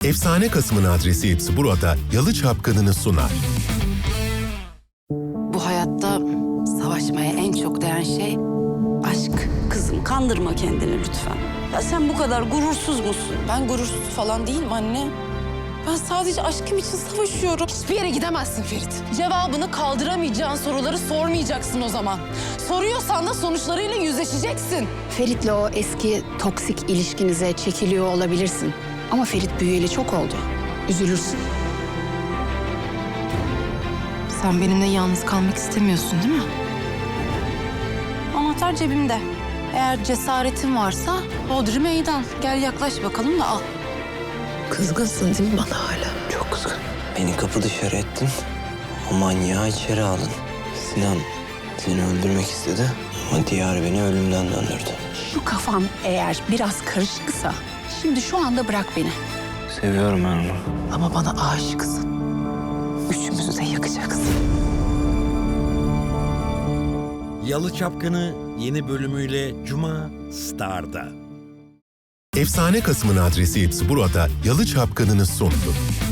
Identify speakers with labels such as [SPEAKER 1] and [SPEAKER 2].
[SPEAKER 1] Efsane Kasım'ın adresi hepsi burada Yalı Çapkını'nı sunar.
[SPEAKER 2] Bu hayatta savaşmaya en çok değen şey aşk. Kızım kandırma kendini lütfen. Ya sen bu kadar gurursuz musun?
[SPEAKER 3] Ben gurursuz falan değilim anne. Ben sadece aşkım için savaşıyorum. Hiçbir yere gidemezsin Ferit. Cevabını kaldıramayacağın soruları sormayacaksın o zaman. Soruyorsan da sonuçlarıyla yüzleşeceksin.
[SPEAKER 2] Ferit'le o eski toksik ilişkinize çekiliyor olabilirsin. Ama Ferit büyüyeli çok oldu. Üzülürsün.
[SPEAKER 3] Sen benimle yalnız kalmak istemiyorsun değil mi? Anahtar cebimde. Eğer cesaretin varsa hodri meydan. Gel yaklaş bakalım da al.
[SPEAKER 2] Kızgınsın değil mi bana hala?
[SPEAKER 4] Çok kızgın. Beni kapı dışarı ettin. O manyağı içeri aldın. Sinan seni öldürmek istedi ama Diyar beni ölümden döndürdü.
[SPEAKER 2] Şu kafan eğer biraz karışıksa şimdi şu anda bırak beni.
[SPEAKER 4] Seviyorum ben onu.
[SPEAKER 2] Ama bana aşıksın. Üçümüzü de yakacaksın.
[SPEAKER 5] Yalı Çapkını yeni bölümüyle Cuma Star'da.
[SPEAKER 1] Efsane Kasım'ın adresi hepsi burada Yalı Çapkını'nı sundu.